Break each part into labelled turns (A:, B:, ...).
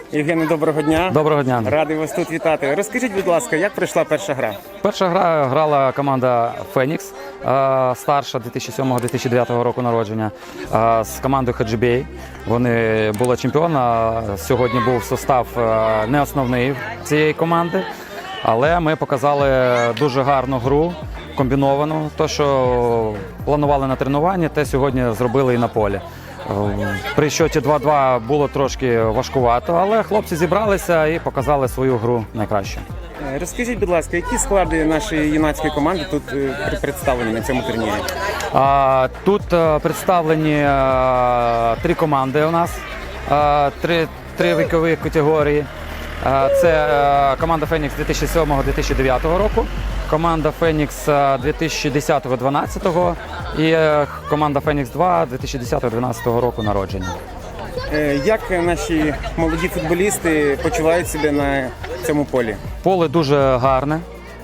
A: Євгене, доброго дня.
B: Доброго дня.
A: Радий вас тут вітати. Розкажіть, будь ласка, як пройшла перша гра?
B: Перша гра грала команда «Фенікс», старша 2007-2009 року народження, з командою «Хаджибей». Вони були чемпіоном. Сьогодні був состав не основний цієї команди, але ми показали дуже гарну гру, комбіновану. Те, що планували на тренуванні, те сьогодні зробили і на полі. При счеті 2-2 було трошки важкувато, але хлопці зібралися і показали свою гру найкраще.
A: Розкажіть, будь ласка, які склади нашої юнацької команди тут представлені на цьому турнірі?
B: Тут представлені 3 команди у нас, 3 вікові категорії. Це команда «Фенікс» 2007-2009 року, команда «Фенікс» 2010-2012 і команда «Фенікс-2» 2010-2012 року народження.
A: Як наші молоді футболісти почувають себе на цьому полі?
B: Поле дуже гарне,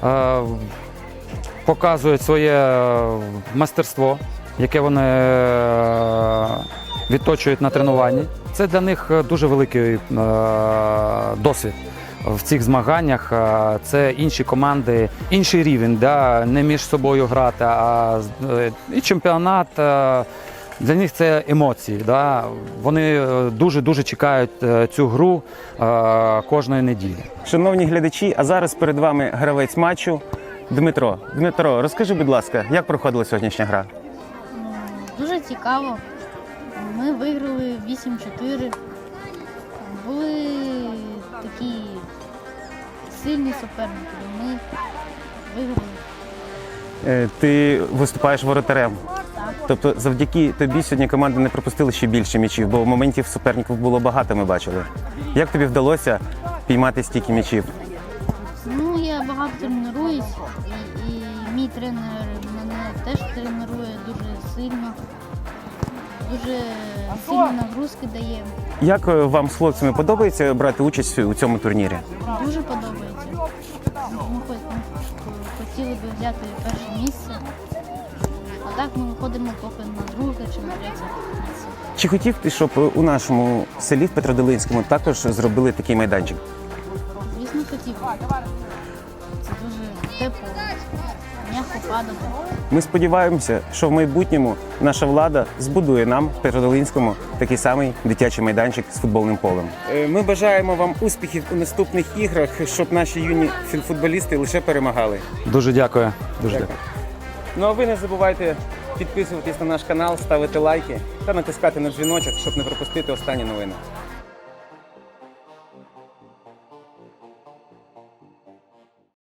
B: показують своє майстерство, яке вони відточують на тренуванні. Це для них дуже великий досвід в цих змаганнях. Це інші команди, інший рівень, да? Не між собою грати, а і чемпіонат. Для них це емоції. Да? Вони дуже чекають цю гру кожної неділі.
A: Шановні глядачі, а зараз перед вами гравець матчу Дмитро. Дмитро, розкажи, будь ласка, як проходила сьогоднішня гра?
C: Дуже цікаво. Ми виграли 8-4. Були такі сильні суперники. Ми виграли.
A: Ти виступаєш воротарем. Тобто завдяки тобі сьогодні команди не пропустили ще більше м'ячів, бо моментів суперників було багато, ми бачили. Як тобі вдалося піймати стільки м'ячів?
C: Ну, я багато тренуюсь, і мій тренер мене теж тренує дуже сильно. Дуже сильні нагрузки дає.
A: Як вам з хлопцями подобається брати участь у цьому турнірі?
C: Дуже подобається. Ми хотіли б взяти перше місце, а так ми виходимо поки на друге чи на третє місце.
A: Чи хотів ти, щоб у нашому селі в Петродолинському також зробили такий майданчик?
C: Звісно, хотів. Це дуже тепло, м'яко падає.
A: Ми сподіваємося, що в майбутньому наша влада збудує нам в Петродолинському такий самий дитячий майданчик з футбольним полем. Ми бажаємо вам успіхів у наступних іграх, щоб наші юні футболісти лише перемагали.
B: Дуже дякую. Дуже дякую.
A: Ну а ви не забувайте підписуватись на наш канал, ставити лайки та натискати на дзвіночок, щоб не пропустити останні новини.